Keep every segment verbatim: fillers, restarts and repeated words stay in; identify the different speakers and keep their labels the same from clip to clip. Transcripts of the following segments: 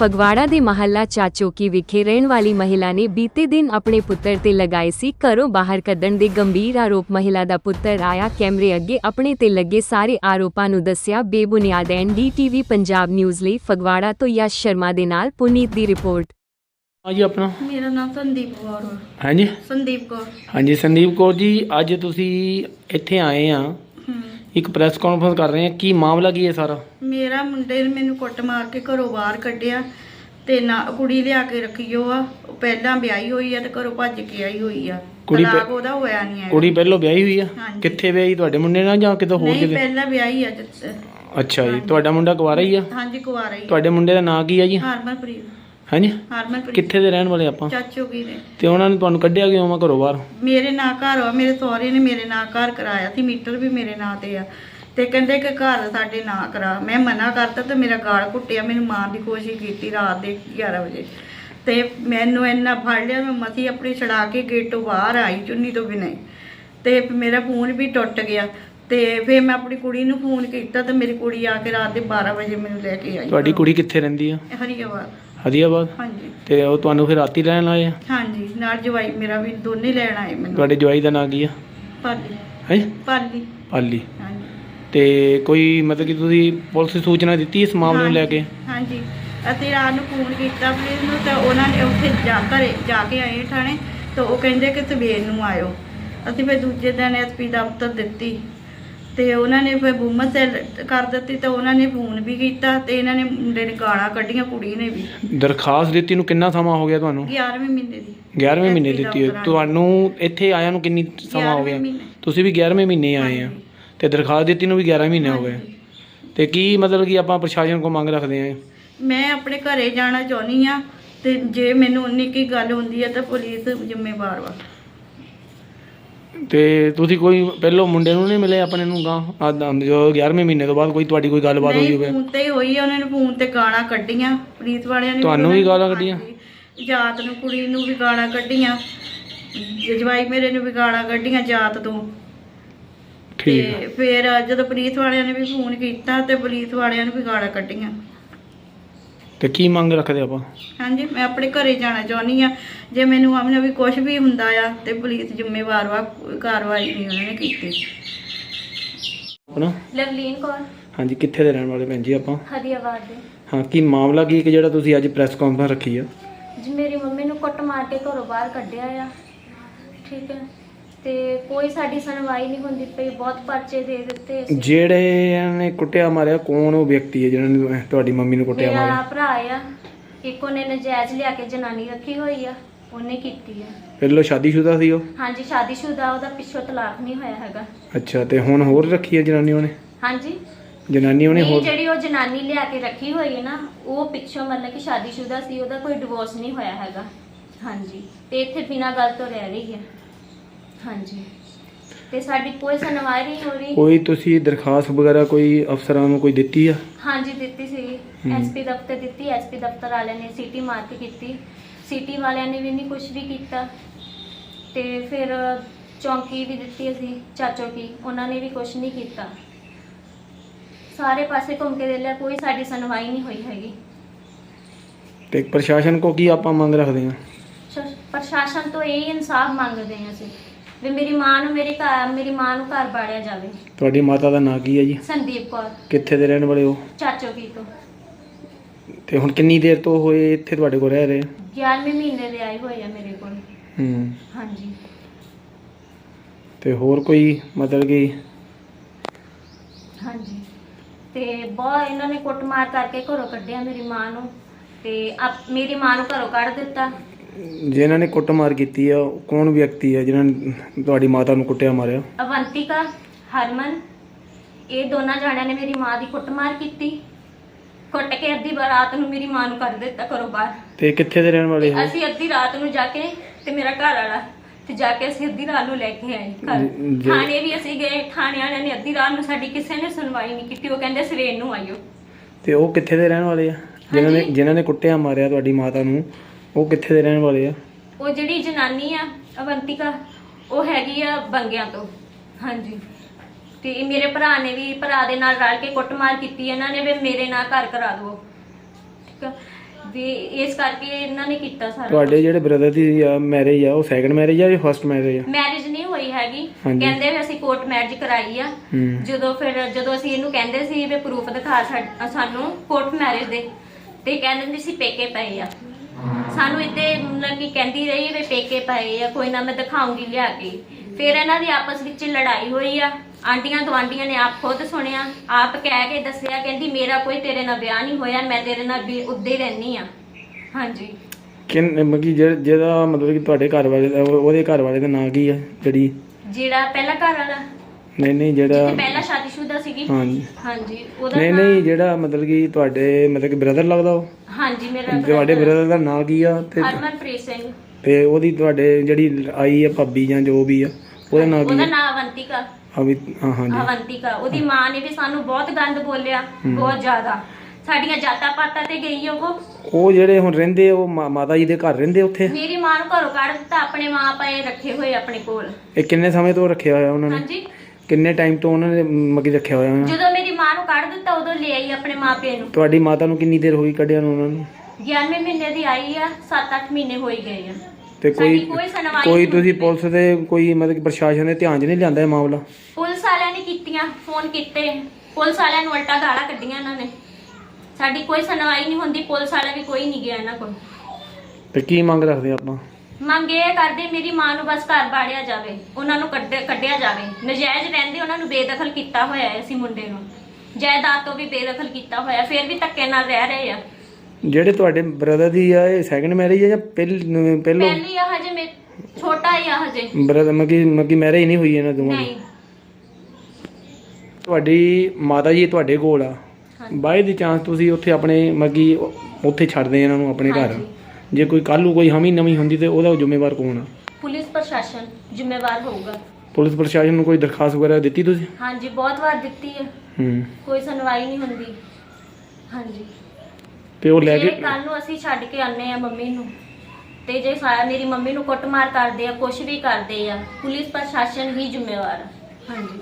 Speaker 1: ਫਗਵਾੜਾ ਦੇ ਮਹੱਲਾ ਚਾਚੋਕੀ ਵਿਖੇ ਰਹਿਣ ਵਾਲੀ ਮਹਿਲਾ ਨੇ ਬੀਤੇ ਦਿਨ ਆਪਣੇ ਪੁੱਤਰ ਤੇ ਲਗਾਏ ਸੀ ਘਰੋਂ ਬਾਹਰ ਕੱਢਣ ਦੇ ਗੰਭੀਰ ਆਰੋਪ। ਮਹਿਲਾ ਦਾ ਪੁੱਤਰ ਆਇਆ ਕੈਮਰੇ ਅੱਗੇ ਆਪਣੇ ਤੇ ਲੱਗੇ ਸਾਰੇ ਆਰੋਪਾਂ ਨੂੰ ਦੱਸਿਆ ਬੇਬੁਨਿਆਦ। NDTV Punjab news ਲਈ ਫਗਵਾੜਾ ਤੋਂ ਯਸ਼ ਸ਼ਰਮਾ ਦੇ ਨਾਲ ਪੁਨੀਤ ਦੀ ਰਿਪੋਰਟ।
Speaker 2: हाँ जी अपना
Speaker 3: मेरा नाम संदीप कौर है।
Speaker 2: हाँ जी
Speaker 3: संदीप कौर।
Speaker 2: हाँ जी संदीप कौर जी अज तुसी इत्थे आए हैं एक प्रैस कॉन्फ्रेंस कर रहे हैं की मामला की है सारा?
Speaker 3: मेरा मुंडे ने मैनू कुट मार के घरों बाहर कढ़िया ते ना कुड़ी लिया के रखी आ पहला ब्याही हुई है ते घरों भज के आई हुई आ
Speaker 2: कुड़ी
Speaker 3: तलाक ओहदा होया नहीं है।
Speaker 2: कुड़ी पहलों ब्याही हुई है
Speaker 3: हाँ जी।
Speaker 2: कित्थे ब्याही तुहाडे मुंडे नाल जां कितों होर
Speaker 3: नहीं
Speaker 2: किते?
Speaker 3: पहला ब्याही है जिस-
Speaker 2: अच्छा जी तुहाडा मुंडा कुंवारा ही है?
Speaker 3: हाँ जी कुवारा ही।
Speaker 2: तुहाडे मुंडे दा नाम की है जी?
Speaker 3: हरमनप्रीत।
Speaker 2: हाँ जी
Speaker 3: हरमनप्रीत
Speaker 2: कित्थे दे रहण वाले आपां?
Speaker 3: चाचो की ने
Speaker 2: ते उन्हां ने तुहानूं कढिया क्यों वा घरों बाहर?
Speaker 3: मेरे ना घर आ मेरे सहुरे ने मेरे ना घर कराया थी मीटर भी मेरे ਨਾਂ ਤੇ ਆ ਤੇ ਕਹਿੰਦੇ ਕਿ ਘਰ ਸਾਡੇ ਨਾਂ ਕਰਾ। ਮੈਂ ਮਨਾ ਕਰਤਾ ਤੇ ਮੇਰਾ ਗਾਲ ਘੁੱਟਿਆ ਮੈਨੂੰ ਮਾਰਨ ਦੀ ਕੋਸ਼ਿਸ਼ ਕੀਤੀ ਰਾਤ ਦੇ ਗਿਆਰਾਂ ਵਜੇ ਤੇ ਮੈਨੂੰ ਇੰਨਾ ਫੜ ਲਿਆ ਮੈਂ ਮਸੀਂ ਆਪਣੀ ਛੜਾ ਕੇ ਗੇਟ ਤੋਂ ਬਾਹਰ ਆਈ ਚੁੰਨੀ ਤੋਂ ਬਿਨਾਂ ਹੀ ਤੇ ਮੇਰਾ ਫੋਨ ਵੀ ਟੁੱਟ ਗਿਆ ਤੇ ਫਿਰ ਮੈਂ ਆਪਣੀ ਕੁੜੀ ਨੂੰ ਫੋਨ ਕੀਤਾ ਤੇ ਮੇਰੀ ਕੁੜੀ ਆ ਕੇ ਰਾਤ ਦੇ ਬਾਰਾਂ ਵਜੇ ਮੈਨੂੰ ਲੈ ਕੇ ਆਈ।
Speaker 2: ਤੁਹਾਡੀ ਕੁੜੀ ਕਿੱਥੇ ਰਹਿੰਦੀ ਆ?
Speaker 3: ਹਰੀਆਬਾਦ।
Speaker 2: ਹਰੀਆਬਾਦ।
Speaker 3: ਹਾਂਜੀ
Speaker 2: ਤੇ ਉਹ ਤੁਹਾਨੂੰ ਫਿਰ ਰਾਤੀ ਲੈਣ ਆਏ ਆ?
Speaker 3: ਹਾਂਜੀ ਨਾਲ ਜਵਾਈ ਮੇਰਾ ਵੀ ਦੋਨੇ ਲੈਣ ਆਏ ਮੈਨੂੰ।
Speaker 2: ਤੁਹਾਡੇ ਜਵਾਈ ਦਾ ਨਾਂ ਕੀ ਆ?
Speaker 3: ਪਾਲੀ।
Speaker 2: ਹੈ
Speaker 3: ਪਾਲੀ।
Speaker 2: ਪਾਲੀ।
Speaker 3: ਹਾਂਜੀ
Speaker 2: ਤੇ ਕੋਈ ਮਤਲਬ ਕਿ ਤੁਸੀਂ ਪੁਲਿਸ ਨੂੰ ਸੂਚਨਾ ਦਿੱਤੀ ਇਸ ਮਾਮਲੇ ਨੂੰ ਲੈ ਕੇ?
Speaker 3: ਹਾਂਜੀ ਅਸੀਂ ਰਾਤ ਨੂੰ ਫੋਨ ਕੀਤਾ ਪੁਲਿਸ ਨੂੰ ਤਾਂ ਉਹਨਾਂ ਨੇ ਉੱਥੇ ਜਾ ਘਰੇ ਜਾ ਕੇ ਆਏ ਥਾਣੇ ਤਾਂ ਉਹ ਕਹਿੰਦੇ ਕਿ ਸਵੇਰ ਨੂੰ ਆਇਓ। ਅਸੀਂ ਫਿਰ ਦੂਜੇ ਦਿਨ ਐਸ ਪੀ ਦਫ਼ਤਰ ਦਿੱਤੀ ਤੇ ਉਹਨਾਂ ਨੇ ਫਿਰ ਬੁਮਤ ਸੈੱਲ ਕਰ ਦਿੱਤੀ ਤਾਂ ਉਹਨਾਂ ਨੇ ਫੋਨ ਵੀ ਕੀਤਾ ਤੇ ਇਹਨਾਂ ਨੇ ਮੁੰਡੇ ਨੇ ਗਾਲਾਂ ਕੱਢੀਆਂ ਕੁੜੀ ਨੇ ਵੀ।
Speaker 2: ਦਰਖਾਸਤ ਦਿੱਤੀ ਨੂੰ ਕਿੰਨਾ ਸਮਾਂ ਹੋ ਗਿਆ ਤੁਹਾਨੂੰ?
Speaker 3: ਗਿਆਰਵੇਂ ਮਹੀਨੇ ਦੀ।
Speaker 2: ਗਿਆਰਵੇਂ ਮਹੀਨੇ
Speaker 3: S P
Speaker 2: ਦਿੱਤੀ ਹੈ
Speaker 3: ਦਫ਼ਤਰ
Speaker 2: ਤੁਹਾਨੂੰ? ਇੱਥੇ ਆਇਆਂ ਨੂੰ ਕਿੰਨੀ ਸਮਾਂ ਹੋ ਗਿਆ?
Speaker 3: ਗਿਆਰਵੇਂ ਮਹੀਨੇ।
Speaker 2: ਤੁਸੀਂ ਵੀ ਗਿਆਰਵੇਂ ਮਹੀਨੇ ਆਏ ਆ ਤੇ ਦਰਖਾਸਤ ਦਿੱਤੀ ਨੂੰ ਵੀ ਗਿਆਰਾਂ ਮਹੀਨੇ ਹੋ ਗਏ।
Speaker 3: ਹਾਂਜੀ।
Speaker 2: ਤੇ ਕੀ ਮਤਲਬ ਕਿ ਆਪਾਂ ਪ੍ਰਸ਼ਾਸਨ ਕੋਲ ਮੰਗ ਰੱਖਦੇ ਆਂ?
Speaker 3: ਮੈਂ ਆਪਣੇ ਘਰੇ ਜਾਣਾ ਚਾਹੁੰਦੀ ਆ ਤੇ ਜੇ ਮੈਨੂੰ ਉਨੀ ਕੀ ਗੱਲ ਹੁੰਦੀ ਹੈ ਤਾਂ ਪੁਲਿਸ ਜ਼ਿੰਮੇਵਾਰ ਵਾ।
Speaker 2: ਤੇ ਤੁਸੀਂ ਕੋਈ ਪਹਿਲੋਂ ਮੁੰਡੇ ਨੂੰ ਨਹੀਂ ਮਿਲੇ ਆਪਣੇ ਨੂੰ ਗਾਂ ਆ ਜੋ ਗਿਆਰਵੇਂ ਮਹੀਨੇ ਤੋਂ ਬਾਅਦ ਕੋਈ ਤੁਹਾਡੀ ਕੋਈ ਗੱਲਬਾਤ ਹੋਈ
Speaker 3: ਨਹੀਂ
Speaker 2: ਹੋਵੇ?
Speaker 3: ਫੋਨ ਤੇ ਹੀ ਹੋਈ ਆ ਉਹਨਾਂ ਨੇ ਫੋਨ ਤੇ ਗਾਲਾਂ ਕੱਢੀਆਂ ਪੁਲਿਸ ਵਾਲਿਆਂ ਨੇ।
Speaker 2: ਤੁਹਾਨੂੰ ਵੀ ਗਾਲਾਂ ਕੱਢੀਆਂ?
Speaker 3: ਹਾਂਜੀ। ਜਾਤ ਨੂੰ ਕੁੜੀ ਨੂੰ ਵੀ ਗਾਲਾਂ ਕੱਢੀਆਂ ਜਵਾਈ ਮੇਰੇ ਨੂੰ ਵੀ ਗਾਲਾਂ ਕੱਢੀਆਂ ਜਾਤ ਤੋਂ।
Speaker 2: ਠੀਕ
Speaker 3: ਤੇ ਫਿਰ ਜਦੋਂ ਪੁਲਿਸ ਵਾਲਿਆਂ ਨੇ ਵੀ ਫੋਨ ਕੀਤਾ ਤੇ ਪੁਲਿਸ ਵਾਲਿਆਂ ਨੂੰ ਵੀ ਗਾਲਾਂ ਕੱਢੀਆਂ।
Speaker 2: ਤੇ ਕੀ ਮੰਗ ਰੱਖਦੇ ਆਪਾਂ?
Speaker 3: ਹਾਂਜੀ ਮੈਂ ਆਪਣੇ ਘਰੇ ਜਾਣਾ ਚਾਹੁੰਦੀ ਆ ਜੇ ਮੈਨੂੰ ਆਪਣੇ ਵੀ ਕੁਝ ਵੀ ਹੁੰਦਾ ਆ ਤੇ ਪੁਲਿਸ ਜ਼ਿੰਮੇਵਾਰ ਵਾ ਕੋਈ ਕਾਰਵਾਈ ਨਹੀਂ ਉਹਨਾਂ ਨੇ ਕੀਤੀ।
Speaker 2: ਆਪਣਾ
Speaker 4: ਲਵਲੀਨ ਕੌਰ।
Speaker 2: ਹਾਂਜੀ ਕਿੱਥੇ ਦੇ ਰਹਿਣ ਵਾਲੇ ਭੈਣ ਜੀ ਆਪਾਂ?
Speaker 4: ਹਰੀਆਬਾਦ ਦੇ।
Speaker 2: ਹਾਂ ਕੀ ਮਾਮਲਾ ਕੀ ਕਿ ਜਿਹੜਾ ਤੁਸੀਂ ਅੱਜ ਪ੍ਰੈਸ ਕਾਨਫਰੰਸ ਰੱਖੀ ਆ?
Speaker 4: ਜੀ ਮੇਰੀ ਮੰਮੀ ਨੂੰ ਕੁੱਟ ਮਾਰ ਕੇ ਘਰੋਂ ਬਾਹਰ ਕੱਢਿਆ ਆ। ਠੀਕ ਹੈ ਤੇ ਕੋਈ ਸਾਡੀ ਸੁਣਵਾਈ ਨਹੀਂ ਹੁੰਦੀ ਪਈ। ਬਹੁਤ ਪਰਚੇ ਦੇ ਦਿੱਤੇ ਅਸੀਂ।
Speaker 2: ਜਿਹੜੇ ਨੇ ਕੁੱਟਿਆ ਮਾਰਿਆ ਕੌਣ ਉਹ ਵਿਅਕਤੀ ਹੈ ਜਿਹਨਾਂ ਨੇ ਤੁਹਾਡੀ ਮੰਮੀ ਨੂੰ ਕੁੱਟਿਆ
Speaker 4: ਮੇਰਾ
Speaker 2: ਮਾਰਿਆ?
Speaker 4: ਭਰਾ ਆ ਇੱਕ, ਉਹਨੇ ਨਜਾਇਜ਼ ਲਿਆ ਕੇ ਜਨਾਨੀ ਰੱਖੀ ਹੋਈ ਆ, ਉਹਨੇ ਕੀਤੀ ਆ।
Speaker 2: ਪਹਿਲੋਂ ਸ਼ਾਦੀशुदा ਸੀ ਉਹ?
Speaker 4: ਹਾਂਜੀ ਸ਼ਾਦੀशुदा, ਉਹਦਾ ਪਿੱਛੋਂ ਤਲਾਕ ਨਹੀਂ ਹੋਇਆ ਹੈਗਾ।
Speaker 2: ਅੱਛਾ ਤੇ ਹੁਣ ਹੋਰ ਰੱਖੀ ਹੈ ਜਨਾਨੀ ਉਹਨੇ?
Speaker 4: ਹਾਂਜੀ
Speaker 2: ਜਨਾਨੀ ਉਹਨੇ
Speaker 4: ਨਹੀਂ,
Speaker 2: ਹੋਰ?
Speaker 4: ਜਿਹੜੀ ਉਹ ਜਨਾਨੀ ਲਿਆ ਕੇ ਰੱਖੀ ਹੋਈ ਹੈ ਨਾ ਉਹ ਪਿੱਛੋਂ ਮਤਲਬ ਕਿ ਸ਼ਾਦੀशुदा ਸੀ, ਉਹਦਾ ਕੋਈ ਡਿਵੋਰਸ ਨਹੀਂ ਹੋਇਆ ਹੈਗਾ। ਹਾਂਜੀ ਤੇ ਇੱਥੇ ਬਿਨਾਂ ਗੱਲ ਤੋਂ ਰਹਿ ਰਹੀ ਹੈ। ਹਾਂਜੀ ਤੇ ਸਾਡੀ ਕੋਈ ਸੁਣਵਾਈ ਨਹੀਂ ਹੋ ਰਹੀ।
Speaker 2: ਕੋਈ ਤੁਸੀਂ ਦਰਖਾਸਤ ਵਗੈਰਾ ਕੋਈ ਅਫਸਰਾਂ ਨੂੰ ਕੋਈ ਦਿੱਤੀ ਆ?
Speaker 4: ਹਾਂਜੀ ਦਿੱਤੀ ਸੀ, ਐਸਪੀ ਦਫ਼ਤਰ ਦਿੱਤੀ। ਐਸਪੀ ਦਫ਼ਤਰ ਵਾਲਿਆਂ ਨੇ ਸੀਟੀ ਮਾਰ ਕੇ ਕੀਤੀ, ਸੀਟੀ ਵਾਲਿਆਂ ਨੇ ਵੀ ਨਹੀਂ ਕੁਝ ਵੀ ਕੀਤਾ। ਤੇ ਫਿਰ ਚੌਂਕੀ ਵੀ ਦਿੱਤੀ ਅਸੀਂ ਚਾਚੋ ਕੀ, ਉਹਨਾਂ ਨੇ ਵੀ ਕੁਝ ਨਹੀਂ ਕੀਤਾ। ਸਾਰੇ ਪਾਸੇ ਘੁੰਮ ਕੇ ਦੇ ਲਿਆ, ਕੋਈ ਸਾਡੀ ਸੁਣਵਾਈ ਨਹੀਂ ਹੋਈ ਹੈਗੀ।
Speaker 2: ਤੇ ਪ੍ਰਸ਼ਾਸਨ ਕੋ ਕੀ ਆਪਾਂ ਮੰਗ ਰੱਖਦੇ ਆ?
Speaker 4: ਸ਼- ਪ੍ਰਸ਼ਾਸਨ ਤੋਂ ਇਹ ਇਨਸਾਫ ਮੰਗਦੇ ਹਾਂ ਅਸੀਂ ਵੀ ਮੇਰੀ ਮਾਂ ਨੂੰ ਮੇਰੇ ਘਰ ਮੇਰੀ ਮਾਂ ਨੂੰ ਘਰ ਬਾੜਿਆ ਜਾਵੇ।
Speaker 2: ਤੁਹਾਡੀ ਮਾਤਾ ਦਾ ਨਾਂ ਕੀ ਹੈ ਜੀ?
Speaker 4: ਸੰਦੀਪ ਕੌਰ।
Speaker 2: ਕਿੱਥੇ ਦੇ ਰਹਿਣ ਵਾਲੇ ਹੋ?
Speaker 4: ਚਾਚੋ ਕੀ ਤੋਂ।
Speaker 2: ਤੇ ਹੁਣ ਕਿੰਨੀ ਦੇਰ ਤੋਂ ਹੋਏ ਇੱਥੇ ਤੁਹਾਡੇ ਕੋਲ ਰਹਿ ਰਹੇ?
Speaker 4: ਗਿਆਰਵੇਂ ਮਹੀਨੇ ਦੇ ਆਏ ਹੋਏ ਆ ਮੇਰੇ ਕੋਲ।
Speaker 2: ਹੂੰ
Speaker 4: ਹਾਂਜੀ
Speaker 2: ਤੇ ਹੋਰ ਕੋਈ ਮਤਲਬ ਕਿ?
Speaker 4: ਹਾਂਜੀ ਤੇ ਬਹੁਤ ਇਹਨਾਂ ਨੇ ਕੁੱਟਮਾਰ ਕਰਕੇ ਘਰੋਂ ਕੱਢਿਆ ਮੇਰੀ ਮਾਂ ਨੂੰ ਤੇ ਆਪ ਮੇਰੀ ਮਾਂ ਨੂੰ ਘਰੋਂ ਕੱਢ ਦਿੱਤਾ।
Speaker 2: ਜਿਨ੍ਹਾਂ ਨੇ ਕੁੱਟਮਾਰ ਕੀਤੀ ਆ ਉਹ ਕੌਣ ਵਿਅਕਤੀ ਹੈ ਜਿਨ੍ਹਾਂ ਨੇ ਤੁਹਾਡੀ ਮਾਤਾ ਨੂੰ ਕੁੱਟਿਆ ਮਾਰਿਆ?
Speaker 4: ਅਵੰਤਿਕਾ, ਹਰਮਨ, ਇਹ ਦੋਨਾਂ ਜਾਣਿਆਂ ਨੇ ਮੇਰੀ ਮਾਂ ਦੀ ਕੁੱਟਮਾਰ ਕੀਤੀ। ਕੁੱਟ ਕੇ ਅੱਧੀ ਰਾਤ ਨੂੰ ਮੇਰੀ ਮਾਂ ਨੂੰ ਕੱਢ ਦਿੱਤਾ ਘਰੋਂ ਬਾਹਰ।
Speaker 2: ਤੇ ਕਿੱਥੇ ਦੇ ਰਹਿਣ ਵਾਲੇ ਹੋ?
Speaker 4: ਅਸੀਂ ਅੱਧੀ ਰਾਤ ਨੂੰ ਜਾ ਕੇ ਤੇ ਮੇਰਾ ਘਰ ਵਾਲਾ ਤੇ ਜਾ ਕੇ ਅਸੀਂ ਅੱਧੀ ਰਾਤ ਨੂੰ ਲੈ ਕੇ ਆਏ ਘਰ।
Speaker 2: ਜ- ਜ-
Speaker 4: ਥਾਣੇ ਵੀ ਅਸੀਂ ਗਏ, ਥਾਣੇ ਵਾਲਿਆਂ ਨੇ ਅੱਧੀ ਰਾਤ ਨੂੰ ਸਾਡੀ ਕਿਸੇ ਨੇ ਸੁਣਵਾਈ ਨਹੀਂ ਕੀਤੀ। ਉਹ ਕਹਿੰਦੇ ਸਵੇਰ ਨੂੰ ਆਇਓ।
Speaker 2: ਤੇ ਉਹ ਕਿੱਥੇ ਦੇ ਰਹਿਣ ਵਾਲੇ ਆ ਜਿਨ੍ਹਾਂ ਨੇ
Speaker 4: ਹਾਂਜੀ।
Speaker 2: ਜਿਨ੍ਹਾਂ ਨੇ ਕੁੱਟਿਆ ਮਾਰਿਆ ਤੁਹਾਡੀ ਮਾਤਾ ਨੂੰ? ਉਹ ਕਿੱਥੇ ਦੇ ਰਹਿਣ ਵਾਲੇ ਆ?
Speaker 4: ਉਹ ਜਿਹੜੀ ਜਨਾਨੀ ਆ ਅਵੰਤਿਕਾ, ਉਹ ਹੈਗੀ ਆ ਬੰਗਿਆਂ ਤੋਂ। ਹਾਂਜੀ ਤੇ ਇਹ ਮੇਰੇ ਭਰਾ ਨੇ ਵੀ ਭਰਾ ਦੇ ਨਾਲ ਰਲ ਕੇ ਕੁੱਟਮਾਰ ਕੀਤੀ ਇਹਨਾਂ ਨੇ ਵੀ ਮੇਰੇ ਨਾਲ ਘਰ ਕਰਾ ਦਿਓ। ਠੀਕ ਆ ਵੀ ਇਸ ਕਰਕੇ ਇਹਨਾਂ ਨੇ ਕੀਤਾ ਸਾਰਾ।
Speaker 2: ਤੁਹਾਡੇ ਜਿਹੜੇ ਬ੍ਰਦਰ ਦੀ ਮੈਰਿਜ ਆ ਉਹ ਸੈਕੰਡ ਮੈਰਿਜ ਆ ਜਾਂ ਫਸਟ ਮੈਰਿਜ ਆ?
Speaker 4: ਮੈਰਿਜ ਨਹੀਂ ਹੋਈ ਹੈਗੀ,
Speaker 2: ਹਾਂਜੀ।
Speaker 4: ਕਹਿੰਦੇ ਵੀ ਅਸੀਂ ਕੋਰਟ ਮੈਰਿਜ ਕਰਾਈ ਆ।
Speaker 2: ਹੂੰ।
Speaker 4: ਜਦੋਂ ਫਿਰ ਜਦੋਂ ਅਸੀਂ ਇਹਨੂੰ ਕਹਿੰਦੇ ਸੀ ਵੀ ਪ੍ਰੂਫ ਦਿਖਾ ਸਾ- ਸਾਨੂੰ ਕੋਰਟ ਮੈਰਿਜ ਦੇ, ਤੇ ਕਹਿੰਦੇ ਹੁੰਦੇ ਸੀ ਪੇਕੇ ਪਏ ਆ। ਸਾਨੂੰ ਇੱਥੇ ਮਤਲਬ ਕਿ ਕਹਿੰਦੀ ਰਹੀ ਵੀ ਪੇਕੇ ਪਏ ਆ, ਕੋਈ ਨਾ ਮੈਂ ਦਿਖਾਉਂਗੀ ਲਿਆ ਕੇ। ਫਿਰ ਇਹਨਾਂ ਦੀ ਆਪਸ ਵਿੱਚ ਲੜਾਈ ਹੋਈ ਆ। ਆਂਡੀਆਂ ਗਵਾਂਡੀਆਂ ਨੇ ਆਪ ਖੁਦ ਸੁਣਿਆ, ਆਪ ਕਹਿ ਕੇ ਦੱਸਿਆ, ਕਹਿੰਦੀ ਮੇਰਾ ਕੋਈ ਤੇਰੇ ਨਾਲ ਵਿਆਹ ਨਹੀਂ ਹੋਇਆ, ਮੈਂ ਤੇਰੇ ਨਾਲ ਵੀ ਉੱਦੇ ਹੀ ਰਹਿੰਦੀ ਆ। ਹਾਂਜੀ।
Speaker 2: ਕਿੰਨ ਮਤਲਬ ਕਿ ਜਿਹੜਾ ਜਿਹਦਾ ਮਤਲਬ ਕਿ ਤੁਹਾਡੇ ਘਰ ਵਾਲੇ ਦਾ ਉਹ- ਉਹਦੇ ਘਰ ਵਾਲੇ ਦਾ ਨਾਂ ਕੀ ਆ? ਜਿਹੜੀ
Speaker 4: ਜਿਹੜਾ ਪਹਿਲਾ ਘਰ ਵਾਲਾ
Speaker 2: ਨਹੀਂ ਨਹੀਂ ਜਿਹੜਾ
Speaker 4: ਜਿੱਥੇ ਪਹਿਲਾਂ ਸ਼ਾਦੀशुदा ਸੀਗੀ,
Speaker 2: ਹਾਂਜੀ
Speaker 4: ਹਾਂਜੀ ਉਹਦਾ
Speaker 2: ਨਹੀਂ
Speaker 4: ਨਾਂ-
Speaker 2: ਨਹੀਂ ਜਿਹੜਾ ਮਤਲਬ ਕਿ ਤੁਹਾਡੇ ਮਤਲਬ ਕਿ ਬ੍ਰਦਰ ਲੱਗਦਾ ਉਹ?
Speaker 4: ਹਾਂਜੀ ਮੇਰਾ
Speaker 2: ਤੁਹਾਡੇ ਬ੍ਰਦਰ ਦਾ ਨਾਂ ਕੀ ਆ? ਤੇ
Speaker 4: ਹਰਮਨਪ੍ਰੀਤ ਸਿੰਘ।
Speaker 2: ਤੇ ਉਹਦੀ ਤੁਹਾਡੇ ਜਿਹੜੀ ਆਈ ਆ ਭਾਬੀ ਜਾਂ ਜੋ ਵੀ ਆ ਉਹਦਾ ਨਾਂ ਕੀ
Speaker 4: ਉਹਦਾ
Speaker 2: ਆ?
Speaker 4: ਨਾਮ ਅਵੰਤਿਕਾ।
Speaker 2: ਅਵਿ ਹਾਂ ਹਾਂਜੀ
Speaker 4: ਅਵੰਤਿਕਾ। ਉਹਦੀ ਮਾਂ ਨੇ ਵੀ ਸਾਨੂੰ ਬਹੁਤ ਗੰਦ ਬੋਲਿਆ, ਬਹੁਤ ਜ਼ਿਆਦਾ। ਸਾਡੀਆਂ ਜਾਤਾਂ ਪਾਤਾਂ ਤੇ ਗਈ ਉਹ।
Speaker 2: ਉਹ ਜਿਹੜੇ ਹੁਣ ਰਹਿੰਦੇ ਉਹ ਮਾ- ਮਾਤਾ ਜੀ ਦੇ ਘਰ ਰਹਿੰਦੇ ਉੱਥੇ?
Speaker 4: ਮੇਰੀ ਮਾਂ ਨੂੰ ਘਰੋਂ ਕੱਢ ਦਿੱਤਾ, ਆਪਣੇ ਮਾਂ ਪਏ ਰੱਖੇ ਹੋਏ ਆਪਣੇ ਕੋਲ।
Speaker 2: ਇਹ ਕਿੰਨੇ ਸਮੇਂ ਤੋਂ ਰੱਖਿਆ ਹੋਇਆ ਉਹਨਾਂ ਨੇ?
Speaker 4: ਹਾਂਜੀ।
Speaker 2: ਕਿੰਨੇ ਟਾਈਮ ਤੋਂ ਉਹਨਾਂ ਨੇ ਮੱਗੀ ਰੱਖਿਆ ਹੋਇਆ ਉਹਨਾਂ ਨੇ?
Speaker 4: ਜਦੋਂ ਮੇਰੀ ਮਾਂ ਨੂੰ ਕੱਢ ਦਿੱਤਾ ਉਦੋਂ ਲੈ ਆਈ ਆਪਣੇ ਮਾਪੇ ਨੂੰ।
Speaker 2: ਤੁਹਾਡੀ ਮਾਤਾ ਨੂੰ ਕਿੰਨੀ ਦੇਰ ਹੋਈ ਕੱਢਿਆ ਨੂੰ ਉਹਨਾਂ ਨੂੰ?
Speaker 4: ਗਿਆਰਵੇਂ ਮਹੀਨੇ ਦੀ ਆਈ ਆ, ਸੱਤ ਅੱਠ ਮਹੀਨੇ ਹੋਈ ਗਏ ਆ।
Speaker 2: ਤੇ ਕੋਈ
Speaker 4: ਸਾਡੀ ਕੋਈ ਸੁਣਵਾਈ
Speaker 2: ਕੋਈ
Speaker 4: ਨਹੀਂ
Speaker 2: ਤੁਸੀਂ
Speaker 4: ਹੁੰਦੀ।
Speaker 2: ਪੁਲਿਸ ਦੇ ਕੋਈ ਮਤਲਬ ਕਿ ਪ੍ਰਸ਼ਾਸਨ ਦੇ ਧਿਆਨ 'ਚ ਨਹੀਂ ਲਿਆਂਦਾ ਇਹ ਮਾਮਲਾ?
Speaker 4: ਪੁਲਿਸ ਵਾਲਿਆਂ ਨੇ ਕੀਤੀਆਂ, ਫੋਨ ਕੀਤੇ, ਪੁਲਿਸ ਵਾਲਿਆਂ ਨੂੰ ਉਲਟਾ ਗਾਲਾਂ ਕੱਢੀਆਂ ਇਹਨਾਂ ਨੇ। ਸਾਡੀ ਕੋਈ ਸੁਣਵਾਈ ਨਹੀਂ ਹੁੰਦੀ, ਪੁਲਿਸ ਵਾਲਾ ਵੀ ਕੋਈ ਨਹੀਂ ਗਿਆ ਇਹਨਾਂ ਕੋਲ।
Speaker 2: ਤੇ ਕੀ ਮੰਗ ਰੱਖਦੇ ਆਪਾਂ?
Speaker 4: ਮੰਗ ਇਹ ਕਰਦੇ ਮੇਰੀ ਮਾਂ ਨੂੰ ਬਸ ਘਰ ਬਾੜਿਆ ਜਾਵੇ, ਉਹਨਾਂ ਨੂੰ ਕੱਢ ਕੱਢਿਆ ਜਾਵੇ। ਨਜਾਇਜ਼ ਰਹਿੰਦੇ ਉਹਨਾਂ ਨੂੰ ਬੇਦਖਲ ਕੀਤਾ ਹੋਇਆ ਹੈ, ਅਸੀਂ ਮੁੰਡੇ ਨੂੰ ਜਾਇਦਾਦ ਤੋਂ ਵੀ ਬੇਦਖਲ ਕੀਤਾ ਹੋਇਆ, ਫਿਰ ਵੀ ਧੱਕੇ ਨਾਲ ਰਹਿ ਰਹੇ ਆ।
Speaker 2: ਜਿਹੜੇ ਤੁਹਾਡੇ ਬ੍ਰਦਰ ਦੀ ਆ ਇਹ ਸੈਕੰਡ ਮੈਰਿਜ ਆ ਜਾਂ ਪਹਿਲ ਪਹਿਲੋਂ?
Speaker 4: ਪਹਿਲੀ ਆ ਹਜੇ, ਮੇ ਛੋਟਾ ਹੀ ਆ ਹਜੇ।
Speaker 2: ਬ੍ਰਦਰ ਮੱਗੀ ਮੱਗੀ ਮੈਰਿਜ ਨਹੀਂ ਹੋਈ ਇਹਨਾਂ ਦੋਵਾਂ ਦੀ?
Speaker 4: ਨਹੀਂ।
Speaker 2: ਤੁਹਾਡੀ ਮਾਤਾ ਜੀ ਤੁਹਾਡੇ ਕੋਲ ਆ,
Speaker 4: ਹਾਂਜੀ।
Speaker 2: ਬਾਈ ਦੀ ਚਾਂਸ ਤੁਸੀਂ ਉੱਥੇ ਆਪਣੇ ਮੱਗੀ ਉੱਥੇ ਛੱਡਦੇ ਇਹਨਾਂ ਨੂੰ ਆਪਣੇ ਘਰ,
Speaker 4: ਹਾਂਜੀ।
Speaker 2: ਜੇ ਕੋਈ ਕੱਲ੍ਹ ਨੂੰ ਕੋਈ ਹਮੀ ਨਵੀਂ ਹੁੰਦੀ ਤੇ ਉਹਦਾ ਜ਼ਿੰਮੇਵਾਰ ਕੌਣ ਆ?
Speaker 4: ਪੁਲਿਸ ਪ੍ਰਸ਼ਾਸਨ ਜ਼ਿੰਮੇਵਾਰ ਹੋਊਗਾ।
Speaker 2: ਪੁਲਿਸ ਪ੍ਰਸ਼ਾਸਨ ਨੂੰ ਕੋਈ ਦਰਖਾਸਤ ਵਗੈਰਾ ਦਿੱਤੀ ਤੁਸੀਂ?
Speaker 4: ਹਾਂਜੀ ਬਹੁਤ ਵਾਰ ਦਿੱਤੀ ਹੈ,
Speaker 2: ਹੂੰ।
Speaker 4: ਕੋਈ ਸੁਣਵਾਈ ਨਹੀਂ ਹੁੰਦੀ। ਹਾਂਜੀ।
Speaker 2: ਤੇ ਉਹ ਲੈ
Speaker 4: ਜੇ
Speaker 2: ਕੇ
Speaker 4: ਕੱਲ ਨੂੰ ਅਸੀਂ ਛੱਡ ਕੇ ਆਨੇ ਆ ਮੰਮੀ ਨੂੰ, ਤੇ ਜੇ ਸਾਰਾ ਮੇਰੀ ਮੰਮੀ ਨੂੰ ਕੁੱਟਮਾਰ ਕਰਦੇ ਆ, ਕੁਛ ਵੀ ਕਰਦੇ ਆ, ਪੁਲਿਸ ਪ੍ਰਸ਼ਾਸਨ ਹੀ ਜ਼ਿੰਮੇਵਾਰ ਆ। ਹਾਂਜੀ।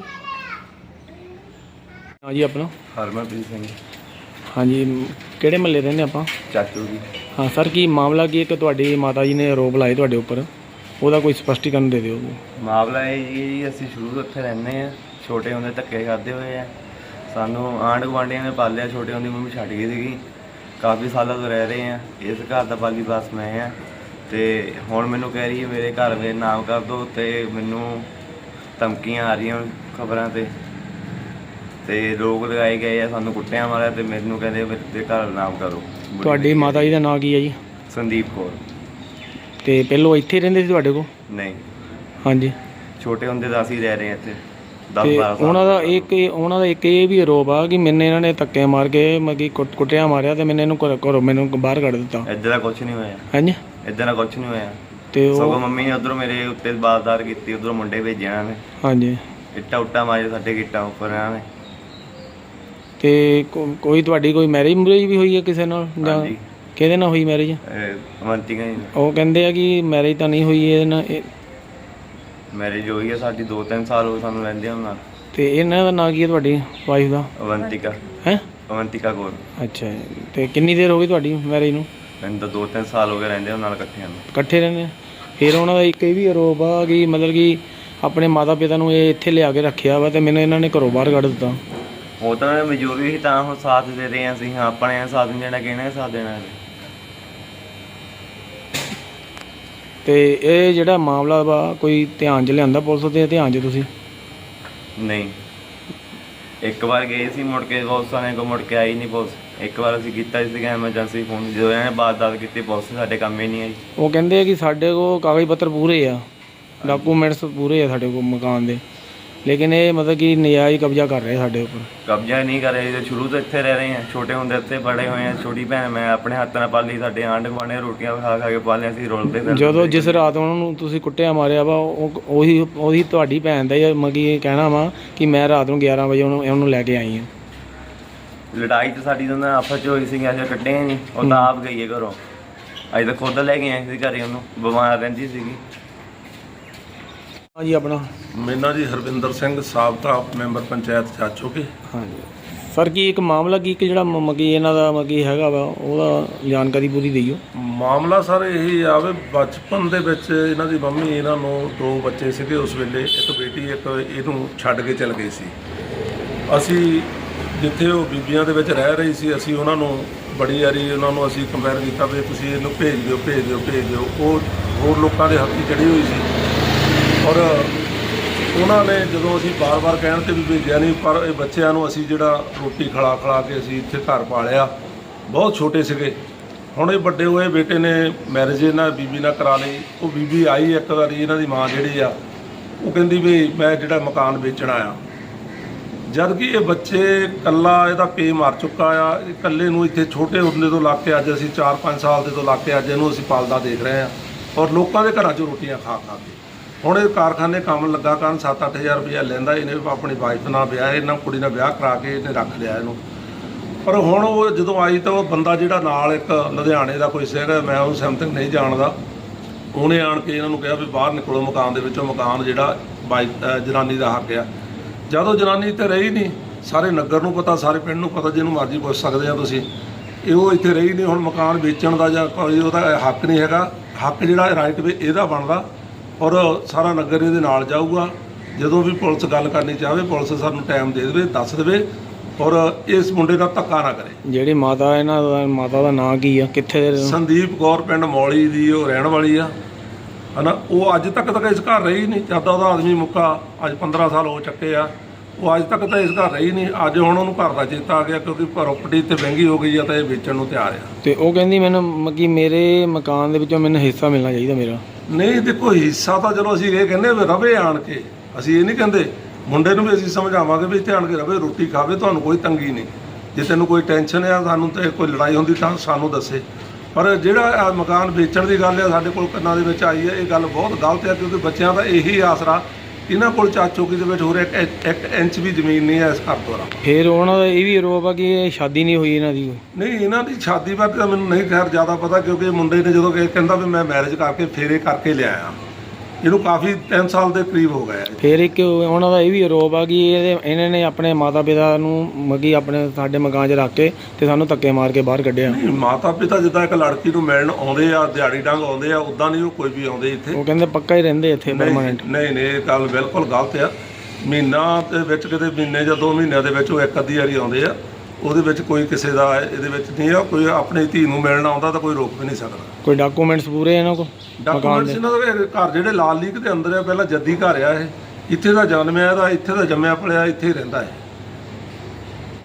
Speaker 2: ਹਾਂਜੀ ਆਪਣਾ?
Speaker 5: ਹਰਮਨਪ੍ਰੀਤ ਸਿੰਘ
Speaker 2: ਹਾਂਜੀ, ਕਿਹੜੇ ਮਹੱਲੇ ਰਹਿੰਦੇ ਆਪਾਂ?
Speaker 5: ਚਾਚੂ ਜੀ।
Speaker 2: ਹਾਂ ਸਰ, ਕੀ ਮਾਮਲਾ ਕੀ ਹੈ ਕਿ ਤੁਹਾਡੀ ਮਾਤਾ ਜੀ ਨੇ ਆਰੋਪ ਲਾਏ ਤੁਹਾਡੇ ਉੱਪਰ, ਉਹਦਾ ਕੋਈ ਸਪਸ਼ਟੀਕਰਨ ਦੇ ਦਿਓ।
Speaker 5: ਮਾਮਲਾ ਇਹ ਜੀ ਅਸੀਂ ਸ਼ੁਰੂ ਤੋਂ ਇੱਥੇ ਰਹਿੰਦੇ ਆ, ਛੋਟੇ ਹੁੰਦੇ ਧੱਕੇ ਖਾਦੇ ਹੋਏ ਆ, ਸਾਨੂੰ ਆਂਢ ਗੁਆਂਢੀਆਂ ਨੇ ਪਾਲਿਆ। ਛੋਟੇ ਹੁੰਦੀ ਮੰਮੀ ਛੱਡ ਗਈ ਸੀਗੀ, ਕਾਫੀ ਸਾਲਾਂ ਤੋਂ ਰਹਿ ਰਹੇ ਆ। ਇਸ ਘਰ ਦਾ ਪਾਲੀ ਬਸ ਮੈਂ ਆ, ਤੇ ਹੁਣ ਮੈਨੂੰ ਕਹਿ ਰਹੀ ਹੈ ਮੇਰੇ ਘਰ ਵਿੱਚ ਨਾਮ ਕਰ ਦਿਓ, ਤੇ ਮੈਨੂੰ ਧਮਕੀਆਂ ਆ ਰਹੀਆਂ ਖਬਰਾਂ ਤੇ ਤੇ ਲੋਕ ਲਗਾਏ ਗਏ ਆ, ਸਾਨੂੰ ਕੁੱਟਿਆ ਮਾਰਿਆ, ਤੇ ਮੈਨੂੰ ਕਹਿੰਦੇ ਮੇਰੇ ਘਰ ਨਾਮ ਕਰੋ।
Speaker 2: ਤੁਹਾਡੀ ਮਾਤਾ ਜੀ ਦਾ ਨਾਂ ਕੀ ਹੈ ਜੀ?
Speaker 5: ਸੰਦੀਪ ਕੌਰ।
Speaker 2: ਤੇ ਪਹਿਲੋਂ ਇੱਥੇ ਰਹਿੰਦੇ ਸੀ ਤੁਹਾਡੇ ਕੋਲ?
Speaker 5: ਨਹੀਂ,
Speaker 2: ਹਾਂਜੀ।
Speaker 5: ਛੋਟੇ ਹੁੰਦੇ ਤਾਂ ਅਸੀਂ ਰਹਿ ਰਹੇ ਹਾਂ ਇੱਥੇ ਦਸ
Speaker 2: ਤੇ
Speaker 5: ਬਾਰਾਂ ਸਾਲ।
Speaker 2: ਉਹਨਾਂ ਦਾ ਇੱਕ ਉਹਨਾਂ ਦਾ ਇੱਕ ਇਹ ਵੀ ਆਰੋਪ ਆ ਕਿ ਮੈਨੂੰ ਇਹਨਾਂ ਨੇ ਧੱਕੇ ਮਾਰ ਕੇ ਮਗੀ ਕੁੱਟਿਆ ਮਾਰਿਆ ਤੇ ਮੈਨੂੰ ਇਹਨੂੰ ਘਰੋਂ ਘਰੋਂ ਮੈਨੂੰ ਬਾਹਰ ਕੱਢ ਦਿੱਤਾ।
Speaker 5: ਇੱਦਾਂ ਦਾ ਕੁਝ ਨਹੀਂ ਹੋਇਆ।
Speaker 2: ਹਾਂਜੀ।
Speaker 5: ਇੱਦਾਂ ਦਾ ਕੁਝ ਨਹੀਂ ਹੋਇਆ।
Speaker 2: ਤੇ
Speaker 5: ਸਗੋਂ
Speaker 2: ਉਹ
Speaker 5: ਮੰਮੀ ਨੇ ਉਧਰੋਂ ਮੇਰੇ ਉੱਤੇ ਬਾਜ਼ਦਾਰ ਕੀਤੀ, ਉਧਰੋਂ ਮੁੰਡੇ ਭੇਜੇ ਇਹਨਾਂ ਨੇ,
Speaker 2: ਹਾਂਜੀ।
Speaker 5: ਇੱਟਾਂ ਉੱਟਾਂ ਮਾਰੇ ਸਾਡੇ ਗਿੱਟਾਂ ਉੱਪਰ ਇਹਨਾਂ ਨੇ।
Speaker 2: ਤੇ ਕੋ- ਕੋਈ ਤੁਹਾਡੀ ਕੋਈ ਮੈਰਿਜ ਮੁਰੇਜ ਵੀ ਹੋਈ ਹੈ ਕਿਸੇ ਨਾਲ ਜਾਂ
Speaker 5: ਹਾਂਜੀ।
Speaker 2: ਕਿਹਦੇ ਨਾਲ ਹੋਈ ਮੈਰਿਜ?
Speaker 5: ਅਵੰਤਿਕਾ ਜੀ
Speaker 2: ਉਹ ਕਹਿੰਦੇ ਆ ਕਿ ਮੈਰਿਜ ਤਾਂ ਨਹੀਂ ਹੋਈ ਇਹਦੇ ਨਾਲ ਇਹ-
Speaker 5: ਮੈਰਿਜ ਹੋਈ ਹੈ ਸਾਡੀ, ਦੋ ਤਿੰਨ ਸਾਲ ਹੋ ਗਏ ਸਾਨੂੰ ਰਹਿੰਦੇ ਹੁਣ ਨਾਲ।
Speaker 2: ਤੇ ਇਹਨਾਂ ਦਾ ਨਾਂ ਕੀ ਹੈ ਤੁਹਾਡੀ ਵਾਈਫ ਦਾ?
Speaker 5: ਅਵੰਤਿਕਾ
Speaker 2: ਹੈ?
Speaker 5: ਅਵੰਤਿਕਾ ਕੋਲ
Speaker 2: ਅੱਛਾ ਜੀ। ਤੇ ਕਿੰਨੀ ਦੇਰ ਹੋ ਗਈ ਤੁਹਾਡੀ ਮੈਰਿਜ ਨੂੰ?
Speaker 5: ਮੈਨੂੰ ਤਾਂ ਦੋ ਤਿੰਨ ਸਾਲ ਹੋ ਗਏ ਰਹਿੰਦੇ ਉਹਨਾਂ ਨਾਲ ਇਕੱਠਿਆਂ ਨੂੰ।
Speaker 2: ਇਕੱਠੇ ਰਹਿੰਦੇ ਆ? ਫਿਰ ਉਹਨਾਂ ਦਾ ਇੱਕ ਇਹ ਵੀ ਆਰੋਪ ਆ ਕਿ ਮਤਲਬ ਕਿ ਆਪਣੇ ਮਾਤਾ ਪਿਤਾ ਨੂੰ ਇਹ ਇੱਥੇ ਲਿਆ ਕੇ ਰੱਖਿਆ ਵਾ ਤੇ ਮੈਨੂੰ ਇਹਨਾਂ ਨੇ ਘਰੋਂ ਬਾਹਰ ਕੱਢ ਦਿੱਤਾ।
Speaker 5: ਉਹ ਤਾਂ ਮਜਬੂਰੀ ਸੀ, ਤਾਂ ਹੁਣ ਸਾਥ ਦੇ ਰਹੇ ਹਾਂ ਅਸੀਂ। ਹਾਂ, ਆਪਣੇ ਸਾਥ ਨਹੀਂ ਦੇਣਾ, ਕਿਹਨੇ ਸਾਥ ਦੇਣਾ?
Speaker 2: ਤੇ ਇਹ ਜਿਹੜਾ ਮਾਮਲਾ ਵਾ ਕੋਈ ਧਿਆਨ 'ਚ ਲਿਆਂਦਾ ਪੁਲਿਸ ਦੇ ਧਿਆਨ 'ਚ ਤੁਸੀਂ?
Speaker 5: ਨਹੀਂ, ਇੱਕ ਵਾਰ ਗਏ ਸੀ, ਮੁੜ ਕੇ ਬਹੁਤ ਸਾਰਿਆਂ ਕੋਲ ਮੁੜ ਕੇ ਆਈ ਨਹੀਂ ਪੁਲਿਸ। ਇੱਕ ਵਾਰ ਅਸੀਂ ਕੀਤਾ ਸੀ ਐਮਰਜੈਂਸੀ ਫੋਨ, ਜਦੋਂ ਇਹਨਾਂ ਨੇ ਬਾਤ-ਦਾਤ ਕੀਤੀ ਪੁਲਿਸ ਸਾਡੇ ਕੰਮ ਹੀ ਨਹੀਂ ਆਈ।
Speaker 2: ਉਹ ਕਹਿੰਦੇ ਆ ਕਿ ਸਾਡੇ ਕੋਲ ਕਾਗਜ਼ ਪੱਤਰ ਪੂਰੇ ਆ, ਡਾਕੂਮੈਂਟਸ ਪੂਰੇ ਆ ਸਾਡੇ ਕੋਲ ਮਕਾਨ ਦੇ, ਲੇਕਿਨ ਇਹ ਮਤਲਬ ਕਿ ਨਜਾਇਜ਼ ਕਬਜ਼ਾ ਕਰ ਰਹੇ ਸਾਡੇ ਉੱਪਰ।
Speaker 5: ਕਬਜ਼ਾ ਨਹੀਂ ਕਰ ਰਹੇ, ਸ਼ੁਰੂ ਤੋਂ ਇੱਥੇ ਰਹਿ ਰਹੇ ਹਾਂ, ਛੋਟੇ ਹੁੰਦੇ ਇੱਥੇ ਬੜੇ ਹੋਏ ਆ। ਛੋਟੀ ਭੈਣ ਮੈਂ ਆਪਣੇ ਹੱਥ ਨਾਲ ਪਾਲੀ, ਸਾਡੇ ਆਂਢ ਗੁਆਂਢ ਰੋਟੀਆਂ ਖਾ ਖਾ ਕੇ ਪਾਲਿਆ ਸੀ, ਰੋਲਦੇ ਫਿਰਦੇ।
Speaker 2: ਜਦੋਂ ਜਿਸ ਰਾਤ ਉਹਨਾਂ ਨੂੰ ਤੁਸੀਂ ਕੁੱਟਿਆ ਮਾਰਿਆ ਵਾ ਉਹ ਉਹੀ ਉਹੀ ਤੁਹਾਡੀ ਭੈਣ ਦਾ ਹੀ ਮਗੀ ਇਹ ਕਹਿਣਾ ਵਾ ਕਿ ਮੈਂ ਰਾਤ ਨੂੰ ਗਿਆਰਾਂ ਵਜੇ ਉਹਨੂੰ ਉਹਨੂੰ ਲੈ ਕੇ ਆਈ ਹਾਂ।
Speaker 5: ਲੜਾਈ ਤਾਂ ਸਾਡੀ ਤਾਂ ਆਪਸ 'ਚ ਹੋਈ ਸੀ, ਅਸੀਂ ਕੱਢੇ ਨਹੀਂ। ਉਹ ਤਾਂ ਆਪ ਗਈ ਹੈ ਘਰੋਂ, ਅਸੀਂ ਤਾਂ ਖੁਦ ਲੈ ਕੇ ਆਏ ਸੀ ਘਰੇ, ਉਹਨੂੰ ਬਿਮਾਰ ਰਹਿੰਦੀ ਸੀਗੀ।
Speaker 2: ਹਾਂਜੀ ਆਪਣਾ?
Speaker 6: ਮੇਰਾ ਜੀ ਹਰਵਿੰਦਰ ਸਿੰਘ, ਸਾਬਕਾ ਮੈਂਬਰ ਪੰਚਾਇਤ ਚਾਚੋਕੀ।
Speaker 2: ਹਾਂਜੀ। ਸਰ ਕੀ ਇੱਕ ਮਾਮਲਾ ਕੀ ਕਿ ਜਿਹੜਾ ਮ- ਮਗੀ ਇਹਨਾਂ ਦਾ ਮਗੀ ਹੈਗਾ ਵਾ ਉਹਦਾ ਜਾਣਕਾਰੀ ਪੂਰੀ ਦਿਓ।
Speaker 6: ਮਾਮਲਾ ਸਰ ਇਹੀ ਆ ਵੀ ਬਚਪਨ ਦੇ ਵਿੱਚ ਇਹਨਾਂ ਦੀ ਮੰਮੀ ਇਹਨਾਂ ਨੂੰ ਦੋ ਬੱਚੇ ਸੀਗੇ ਉਸ ਵੇਲੇ, ਇੱਕ ਬੇਟੀ ਇੱਕ ਇਹਨੂੰ ਛੱਡ ਕੇ ਚਲ ਗਈ ਸੀ। ਅਸੀਂ ਜਿੱਥੇ ਉਹ ਬੀਬੀਆਂ ਦੇ ਵਿੱਚ ਰਹਿ ਰਹੀ ਸੀ ਅਸੀਂ ਉਹਨਾਂ ਨੂੰ ਬੜੀ ਵਾਰੀ ਉਹਨਾਂ ਨੂੰ ਅਸੀਂ ਕੰਪੇਅਰ ਕੀਤਾ ਵੀ ਤੁਸੀਂ ਇਹਨੂੰ ਭੇਜ ਦਿਓ ਭੇਜ ਦਿਓ ਭੇਜ ਦਿਓ। ਉਹ ਹੋਰ ਲੋਕਾਂ ਦੇ ਹੱਥੀ ਚੜੀ ਹੋਈ ਸੀ ਔਰ ਉਹਨਾਂ ਨੇ ਜਦੋਂ ਅਸੀਂ ਬਾਰ-ਬਾਰ ਕਹਿਣ ਤੇ ਵੀ ਭੇਜਿਆ ਨਹੀਂ, ਪਰ ਇਹ ਬੱਚਿਆਂ ਨੂੰ ਅਸੀਂ ਜਿਹੜਾ ਰੋਟੀ ਖਿਲਾ ਖਿਲਾ ਕੇ ਅਸੀਂ ਇੱਥੇ ਘਰ ਪਾਲਿਆ। ਬਹੁਤ ਛੋਟੇ ਸੀਗੇ। ਹੁਣ ਇਹ ਵੱਡੇ ਹੋਏ ਬੇਟੇ ਨੇ ਮੈਰਿਜ ਇਹਨਾਂ ਬੀਬੀ ਨਾਲ ਕਰਾ ਲਈ। ਉਹ ਬੀਬੀ ਆਈ ਇੱਕ ਵਾਰੀ, ਇਹਨਾਂ ਦੀ ਮਾਂ ਜਿਹੜੀ ਆ ਉਹ ਕਹਿੰਦੀ ਵੀ ਮੈਂ ਜਿਹੜਾ ਮਕਾਨ ਵੇਚਣਾ ਆ, ਜਦ ਕਿ ਇਹ ਬੱਚੇ ਇਕੱਲਾ ਇਹਦਾ ਪੇ ਮਰ ਚੁੱਕਾ ਆ। ਇਕੱਲੇ ਨੂੰ ਇੱਥੇ ਛੋਟੇ ਹੁੰਦੇ ਤੋਂ ਲੱਗ ਕੇ ਅੱਜ ਅਸੀਂ ਚਾਰ ਪੰਜ ਸਾਲ ਦੇ ਤੋਂ ਲੱਗ ਕੇ ਅੱਜ ਇਹਨੂੰ ਅਸੀਂ ਪਾਲਦਾ ਦੇਖ ਰਹੇ ਹਾਂ ਔਰ ਲੋਕਾਂ ਦੇ ਘਰਾਂ 'ਚੋਂ ਰੋਟੀਆਂ ਖਾ ਖਾ ਕੇ। ਹੁਣ ਇਹ ਕਾਰਖਾਨੇ ਕੰਮ ਲੱਗਾ ਕਰਨ ਸੱਤ ਅੱਠ ਹਜ਼ਾਰ ਰੁਪਇਆ ਲੈਂਦਾ। ਇਹਨੇ ਆਪਣੀ ਵਾਈਫ ਨਾਲ ਵਿਆਹ, ਇਹਨਾਂ ਕੁੜੀ ਨਾਲ ਵਿਆਹ ਕਰਾ ਕੇ ਇਹਨੇ ਰੱਖ ਲਿਆ ਇਹਨੂੰ। ਪਰ ਹੁਣ ਉਹ ਜਦੋਂ ਆਈ ਤਾਂ ਉਹ ਬੰਦਾ ਜਿਹੜਾ ਨਾਲ ਇੱਕ ਲੁਧਿਆਣੇ ਦਾ ਕੋਈ ਸੀਗਾ, ਮੈਂ ਉਹਨੂੰ ਸਮਥਿੰਗ ਨਹੀਂ ਜਾਣਦਾ, ਉਹਨੇ ਆਣ ਕੇ ਇਹਨਾਂ ਨੂੰ ਕਿਹਾ ਵੀ ਬਾਹਰ ਨਿਕਲੋ ਮਕਾਨ ਦੇ ਵਿੱਚੋਂ। ਮਕਾਨ ਜਿਹੜਾ ਬਾਈ ਜਨਾਨੀ ਦਾ ਹੱਕ ਆ। ਜਦੋਂ ਜਨਾਨੀ ਇੱਥੇ ਰਹੀ ਨਹੀਂ, ਸਾਰੇ ਨਗਰ ਨੂੰ ਪਤਾ, ਸਾਰੇ ਪਿੰਡ ਨੂੰ ਪਤਾ, ਜਿਹਨੂੰ ਮਰਜ਼ੀ ਪੁੱਛ ਸਕਦੇ ਆ ਤੁਸੀਂ, ਇਹ ਉਹ ਇੱਥੇ ਰਹੀ ਨਹੀਂ। ਹੁਣ ਮਕਾਨ ਵੇਚਣ ਦਾ ਜਾਂ ਕੋਈ ਉਹਦਾ ਹੱਕ ਨਹੀਂ ਹੈਗਾ। ਹੱਕ ਜਿਹੜਾ ਰਾਈਟ ਵੇ ਇਹਦਾ ਬਣਦਾ ਔਰ ਸਾਰਾ ਨਗਰ ਇਹਦੇ ਨਾਲ ਜਾਊਗਾ। ਜਦੋਂ ਵੀ ਪੁਲਿਸ ਗੱਲ ਕਰਨੀ ਚਾਹਵੇ, ਪੁਲਿਸ ਸਾਨੂੰ ਟਾਈਮ ਦੇ ਦੇਵੇ, ਦੱਸ ਦੇਵੇ ਔਰ ਇਸ ਮੁੰਡੇ ਨਾਲ ਧੱਕਾ ਨਾ ਕਰੇ।
Speaker 2: ਜਿਹੜੀ ਮਾਤਾ ਇਹਨਾਂ ਦਾ ਮਾਤਾ ਦਾ ਨਾਂ ਕੀ ਆ, ਕਿੱਥੇ ਦੇ?
Speaker 6: ਸੰਦੀਪ ਕੌਰ, ਪਿੰਡ ਮੌਲੀ ਦੀ ਉਹ ਰਹਿਣ ਵਾਲੀ ਆ ਹਨਾ। ਉਹ ਅੱਜ ਤੱਕ ਤਾਂ ਇਸ ਘਰ ਰਹੀ ਨਹੀਂ। ਜਦ ਦਾ ਉਹਦਾ ਆਦਮੀ ਮੁੱਕਾ ਅੱਜ ਪੰਦਰਾਂ ਸਾਲ ਹੋ ਚੱਕੇ ਆ, ਉਹ ਅੱਜ ਤੱਕ ਤਾਂ ਇਸ ਘਰ ਰਹੀ ਨਹੀਂ। ਅੱਜ ਹੁਣ ਉਹਨੂੰ ਘਰ ਦਾ ਚੇਤਾ ਆ ਗਿਆ ਕਿਉਂਕਿ ਪ੍ਰਾਪਰਟੀ ਤੇ ਮਹਿੰਗੀ ਹੋ ਗਈ ਆ ਤਾਂ ਇਹ ਵੇਚਣ ਨੂੰ ਤਿਆਰ ਆ।
Speaker 2: ਤੇ ਉਹ ਕਹਿੰਦੀ ਮੈਨੂੰ ਮਗੀ ਮੇਰੇ ਮਕਾਨ ਦੇ ਵਿੱਚੋਂ ਮੈਨੂੰ ਹਿੱਸਾ ਮਿਲਣਾ ਚਾਹੀਦਾ ਮੇਰਾ।
Speaker 6: ਨਹੀਂ ਦੇਖੋ, ਹਿੱਸਾ ਤਾਂ ਚਲੋ ਅਸੀਂ ਇਹ ਕਹਿੰਦੇ ਵੀ ਰਵੇ ਆਣ ਕੇ, ਅਸੀਂ ਇਹ ਨਹੀਂ ਕਹਿੰਦੇ। ਮੁੰਡੇ ਨੂੰ ਵੀ ਅਸੀਂ ਸਮਝਾਵਾਂਗੇ ਵੀ ਇੱਥੇ ਆਣ ਕੇ ਰਵੇ, ਰੋਟੀ ਖਾਵੇ, ਤੁਹਾਨੂੰ ਕੋਈ ਤੰਗੀ ਨਹੀਂ। ਜੇ ਤੈਨੂੰ ਕੋਈ ਟੈਨਸ਼ਨ ਆ, ਸਾਨੂੰ ਤੇ ਕੋਈ ਲੜਾਈ ਹੁੰਦੀ ਤਾਂ ਸਾਨੂੰ ਦੱਸੇ। ਪਰ ਜਿਹੜਾ ਆਹ ਮਕਾਨ ਵੇਚਣ ਦੀ ਗੱਲ ਆ ਸਾਡੇ ਕੋਲ ਕੰਨਾਂ ਦੇ ਵਿੱਚ ਆਈ ਹੈ, ਇਹ ਗੱਲ ਬਹੁਤ ਗਲਤ ਹੈ ਕਿਉਂਕਿ ਬੱਚਿਆਂ ਦਾ ਇਹੀ ਆਸਰਾ। ਇਹਨਾਂ ਕੋਲ ਚਾਚੋਕੀ ਦੇ ਵਿੱਚ ਹੋਰ ਇੱਕ ਇੱਕ ਇੰਚ ਵੀ ਜ਼ਮੀਨ ਨਹੀਂ ਹੈ ਇਸ ਘਰ ਤੋਂ।
Speaker 2: ਫਿਰ ਉਹਨਾਂ ਦਾ ਇਹ ਵੀ ਆਰੋਪ ਆ ਕਿ ਇਹ ਸ਼ਾਦੀ ਨਹੀਂ ਹੋਈ ਇਹਨਾਂ ਦੀ।
Speaker 6: ਨਹੀਂ, ਇਹਨਾਂ ਦੀ ਸ਼ਾਦੀ ਬਾਰੇ ਤਾਂ ਮੈਨੂੰ ਨਹੀਂ ਖੈਰ ਜ਼ਿਆਦਾ ਪਤਾ ਕਿਉਂਕਿ ਮੁੰਡੇ ਨੇ ਜਦੋਂ ਕਿ ਕਹਿੰਦਾ ਵੀ ਮੈਂ ਮੈਰਿਜ ਕਰਕੇ ਫੇਰੇ ਕਰਕੇ ਲਿਆਇਆ, ਇਹਨੂੰ ਕਾਫੀ ਤਿੰਨ ਸਾਲ ਦੇ ਕਰੀਬ ਹੋ ਗਏ।
Speaker 2: ਫਿਰ ਇੱਕ ਉਹਨਾਂ ਦਾ ਇਹ ਵੀ ਆਰੋਪ ਆ ਕਿ ਇਹਦੇ ਇਹਨਾਂ ਨੇ ਆਪਣੇ ਮਾਤਾ ਪਿਤਾ ਨੂੰ ਮਗੀ ਆਪਣੇ ਸਾਡੇ ਮਕਾਨ 'ਚ ਰੱਖ ਕੇ ਤੇ ਸਾਨੂੰ ਧੱਕੇ ਮਾਰ ਕੇ ਬਾਹਰ ਕੱਢਿਆ।
Speaker 6: ਨਹੀਂ, ਮਾਤਾ ਪਿਤਾ ਜਿੱਦਾਂ ਇੱਕ ਲੜਕੀ ਨੂੰ ਮਿਲਣ ਆਉਂਦੇ ਆ, ਦਿਹਾੜੀ ਡੰਗ ਆਉਂਦੇ ਆ, ਉੱਦਾਂ ਨਹੀਂ ਉਹ ਕੋਈ ਵੀ ਆਉਂਦੇ ਇੱਥੇ।
Speaker 2: ਉਹ ਕਹਿੰਦੇ ਪੱਕਾ ਹੀ ਰਹਿੰਦੇ ਇੱਥੇ ਪਰਮਾਨੈਂਟ।
Speaker 6: ਨਹੀਂ ਨਹੀਂ, ਇਹ ਗੱਲ ਬਿਲਕੁਲ ਗਲਤ ਆ। ਮਹੀਨਾ ਦੇ ਵਿੱਚ ਕਿਤੇ ਮਹੀਨੇ ਜਾਂ ਦੋ ਮਹੀਨਿਆਂ ਦੇ ਵਿੱਚ ਉਹ ਇੱਕ ਅੱਧੀ ਵਾਰੀ ਆਉਂਦੇ ਆ। ਉਹਦੇ ਵਿੱਚ ਕੋਈ ਕਿਸੇ ਦਾ ਇਹਦੇ ਵਿੱਚ ਨਹੀਂ ਆ। ਕੋਈ ਆਪਣੀ ਧੀ ਨੂੰ ਮਿਲਣ ਆਉਂਦਾ ਤਾਂ ਕੋਈ ਰੋਕ ਵੀ ਨਹੀਂ ਸਕਦਾ।
Speaker 2: ਕੋਈ ਡਾਕੂਮੈਂਟਸ ਪੂਰੇ ਇਹਨਾਂ ਕੋਲ?
Speaker 6: ਡਾਕੂਮੈਂਟਸ ਇਹਨਾਂ ਦੇ ਘਰ ਜਿਹੜੇ ਲਾਲ ਲੀਕ ਦੇ ਅੰਦਰ ਆ, ਪਹਿਲਾਂ ਜੱਦੀ ਘਰ ਆ ਇਹ। ਇੱਥੇ ਦਾ ਜਨਮਿਆ, ਇਹਦਾ ਇੱਥੇ ਦਾ ਜੰਮਿਆ ਪਲਿਆ, ਇੱਥੇ ਹੀ ਰਹਿੰਦਾ ਹੈ।